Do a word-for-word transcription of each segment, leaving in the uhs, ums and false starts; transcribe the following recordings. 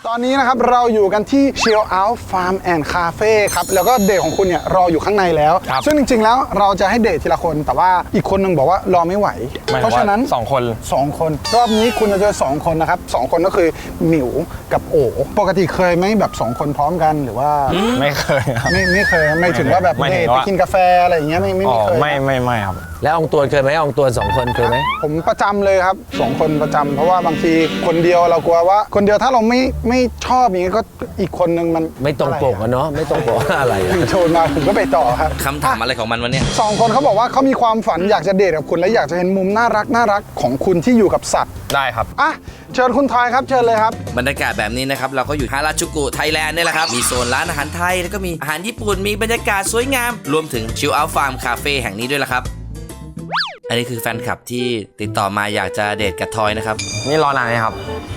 ตอนนี้นะครับเราอยู่กันที่ Chill Out Farm and Cafe ครับแล้วก็เดทของคุณเนี่ยรออยู่ข้างในแล้วซึ่งจริงๆแล้วเราจะให้เดททีละคนแต่ว่าอีกคนนึงบอกว่ารอไม่ไหวเพราะฉะนั้นสองคนสองคนรอบนี้คุณจะเจอสองคนนะครับสองคนก็คือหมิวกับโอปกติเคยไหมแบบสองคนพร้อมกันหรือว่าไม่เคยครับไม่ไม่เคยไม่ถึงว่าแบบเดทไปกินกาแฟอะไรอย่างเงี้ยไม่ไม่เคยไม่ไม่ไม่ครับแล้วอองตวนเคยไหมอองตวนสองคนเคยไหมผมประจำเลยครับสองคนประจำเพราะว่าบางทีคนเดียวเรากลัวว่าคนเดียวถ้าเราไม่ไม่ชอบอย่างนี้ก็อีกคนนึงมันไม่ตรงปกอะเนาะไม่ตรงปกอะไรอยู่โชนมาผมก็ไปต่อครับคำถามอะไรของมันวะเนี่ยสองคนเขาบอกว่าเขามีความฝันอยากจะเดทกับคุณและอยากจะเห็นมุมน่ารักน่ารักของคุณที่อยู่กับสัตว์ได้ครับอ่ะเชิญคุณทอยครับเชิญเลยครับบรรยากาศแบบนี้นะครับเราก็อยู่ฮาราจูกุไทยแลนด์นี่แหละครับมีโซนร้านอาหารไทยแล้วก็มีอาหารญี่ปุ่นมีบรรยากาศสวยงามรวมถึง Chill Out Farm Cafe แห่งนี้ด้วยละครับอันนี้คือแฟนคลับที่ติดต่อมาอยากจะเดทกับทอยนะครับนี่รอนานไหมครับ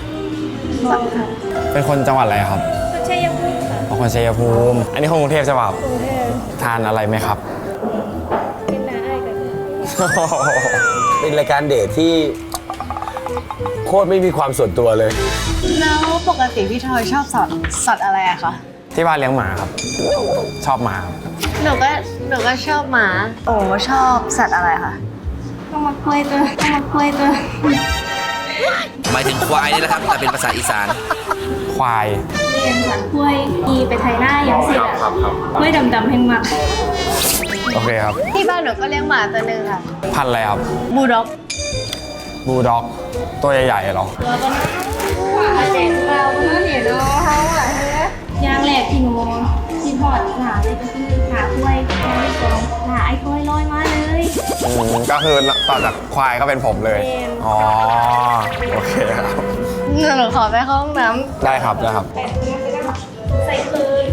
เป็นคนจังหวัดอะไรครับชัยภูมิค่ะเป็นคนชัยภูมิอันนี้คนกรุงเทพใช่ป่ะกรุงเทพทานอะไรไหมครับกินน้าไอ้กันเป็นรายการเดทที่โคตรไม่มีความส่วนตัวเลยแล้วปกติพี่ทอยชอบสัตว์สัตว์อะไรอะคะที่บ้านเลี้ยงหมาครับชอบหมาหนูก็หนูก็ชอบหมาโอ้ชอบสัตว์อะไรคะต้องมาคุยตัวต้องมาคุยตัวหมายถึงควายนี่แหละครับแต่เป็นภาษาอีสานควายเรียนสัตว์คุยอีไปไทยหน้าอย่างเสร็จอะคุยดำๆแห้งมากโอเคครับที่บ้านหนูก็เลี้ยงหมาตัวหนึ่งค่ะพันธุ์อะไรครับบูลด็อกบูลด็อกตัวใหญ่ๆเหรอแล้วก็เจ๋งเราเมื่อเห็นน้องเขาอะยางแหลกที่หนูที่พอดหนาเลยก็คือหาคุยลอยกองหาไอ้คุยลอยมาเลยก็คือต่อจากควายก็เป็นผมเลยอ๋อโอเคครับหนูขอไปเข้าห้องน้ำได้ครับได้ครับใส่คืน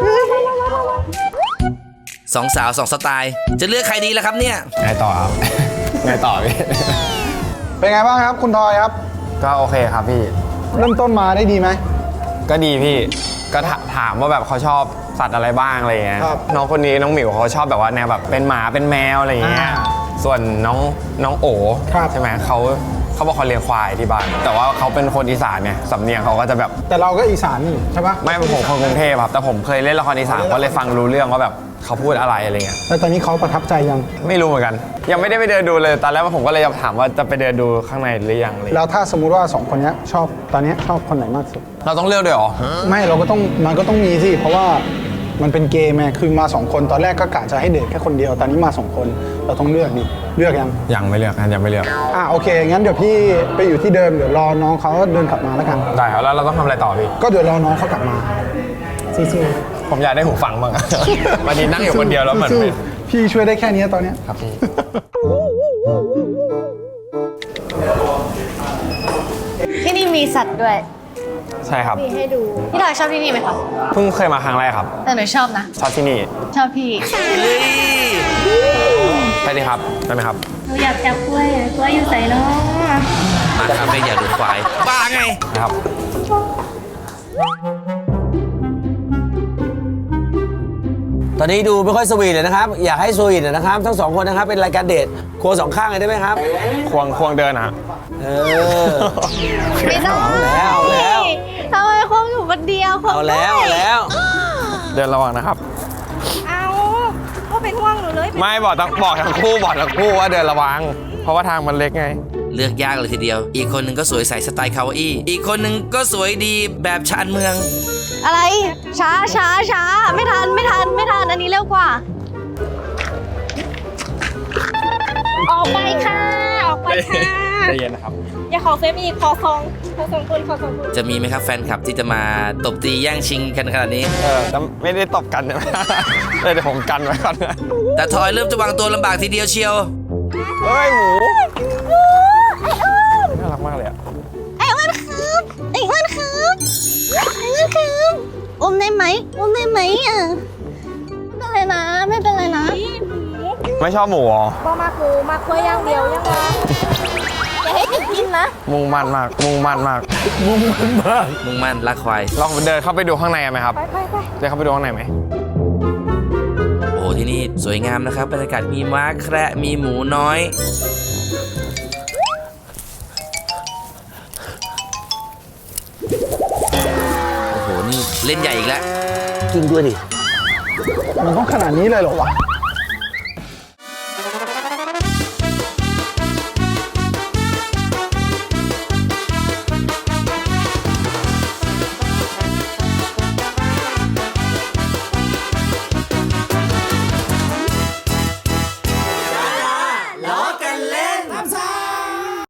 สองสาวสองสไตล์จะเลือกใครดีล่ะครับเนี่ยไงต่อครับไงต่อพี่เป็นไงบ้างครับคุณทอยครับก็โอเคครับพี่เริ่มต้นมาได้ดีไหมก็ดีพี่ก็ถามว่าแบบเขาชอบสัตว์อะไรบ้างอะไรเงี้ยน้องคนนี้น้องหมิวเขาชอบแบบว่าแนวแบบเป็นหมาเป็นแมวอะไรอย่างเงี้ยส่วนน้องน้องโอ๋ใช่ไหมเขาเขาบอกเขาเลี้ยงควายที่บ้านแต่ว่าเขาเป็นคนอีสานเนี่ยสำเนียงเขาก็จะแบบแต่เราก็อีสานนี่ใช่ปะไม่ผมคนกรุงเทพครับแต่ผมเคยเล่นละครอีสานก็เลยฟังรู้เรื่องว่าแบบเขาพูดอะไรอะไรเงี้ยแล้วตอนนี้เขาประทับใจยังไม่รู้เหมือนกันยังไม่ได้ไปเดินดูเลยตอนแรกผมก็เลยจะถามว่าจะไปเดินดูข้างในหรือยังเลยแล้วถ้าสมมุติว่าสองคนนี้ชอบตอนนี้ชอบคนไหนมากสุดเราต้องเลือกด้วยหรอไม่เราก็ต้องมันก็ต้องมีสิเพราะว่ามันเป็นเกมไงคือมาสองคนตอนแรกก็กะจะให้เดทแค่คนเดียวตอนนี้มาสองคนเราต้องเลือกดิเลือกยังยังไม่เลือกยังไม่เลือกอ่ะโอเคงั้นเดี๋ยวพี่ไปอยู่ที่เดิมเดี๋ยวรอน้องเขาเดินกลับมาแล้วกันได้ครับแล้วเราต้องทำอะไรต่อพี่ก็เดี๋ยวรอน้องเขากลับมาสู้ๆผมอยากได้หูฟังบ้างวันนี้นั่งอยู่คนเดียวแล้วเหมือนพี่ช่วยได้แค่นี้ตอนนี้ครับพี่ที่นี่มีสัตว์ด้วยใช่ครับมีให้ดูพี่ทอยชอบที่นี่ไหมคะเพิ่งเคยมาครั้งแรกครับแต่หนูชอบนะชอบที่นี่ชอบพี่ไปดิครับได้ไหมครับหนูอยากจับกล้วยกล้วยอยู่ใส่เนาะมาคาเฟ่อยากดูควายบ้าไงครับตอนนี้ดูไม่ค่อยสวีทเลยนะครับอยากให้สวีทนะครับทั้งสองคนนะครับเป็นรายการเดทควงสองข้างเลยได้ไหมครับควงควงเดินอ่ะเออไม่ได้แล้วแล้วทำไมควงอยู่คนเดียวเอาแล้วแล้วเดินระวังนะครับเอาก็เป็นห่วงหนูเลยไม่บอกทั้งบอกทั้งคู่บอกทั้งคู่ว่าเดินระวังเพราะว่าทางมันเล็กไงเลือกยากเลยทีเดียวอีกคนหนึ่งก็สวยใสสไตล์คาวาอี้อีกคนหนึ่งก็สวยดีแบบชานเมืองอะไรช้าช้าช้าไม่ทันไม่ทันไม่ทันอันนี้เร็วกว่าออกไปค่ะออกไปค่ะใจเย็นนะครับอย่าขอเฟซอีกขอสองขอสองคนขอสองคนจะมีไหมครับแฟนคลับที่จะมาตบตีแย่งชิงกันขนาดนี้เออแต่ไม่ได้ตบกันนะเลยเดี๋ยวผมกันไว้ก่อนแต่ทอยเริ่มจะวางตัวลำบากทีเดียวเชียวเฮ้ยหมูน่ารักมากเลยอ่ะไอ้อ้วนครับไอ้อ้วนครับไอ้อ้วนครับอุ้มได้ไหมอุ้มได้ไหมอ่ะไม่เป็นไรนะไม่เป็นไรนะไม่ชอบหมูอ๋อบ่มาหมูมาคุยอย่างเดียวยังไงอย่าให้กินกินนะมุ่งมั่นมากมุ่งมั่นมากมุ่งมั่นมากมุ่งมั่นรักควายลองเดินเข้าไปดูข้างในไหมครับไปไปไปเดินเข้าไปดูข้างในไหมโอ้ที่นี่สวยงามนะครับบรรยากาศมีม้าแคระมีหมูน้อยเล่นใหญ่อีกแล้วจริงด้วยดิมันต้องขนาดนี้เลยเหรอวะ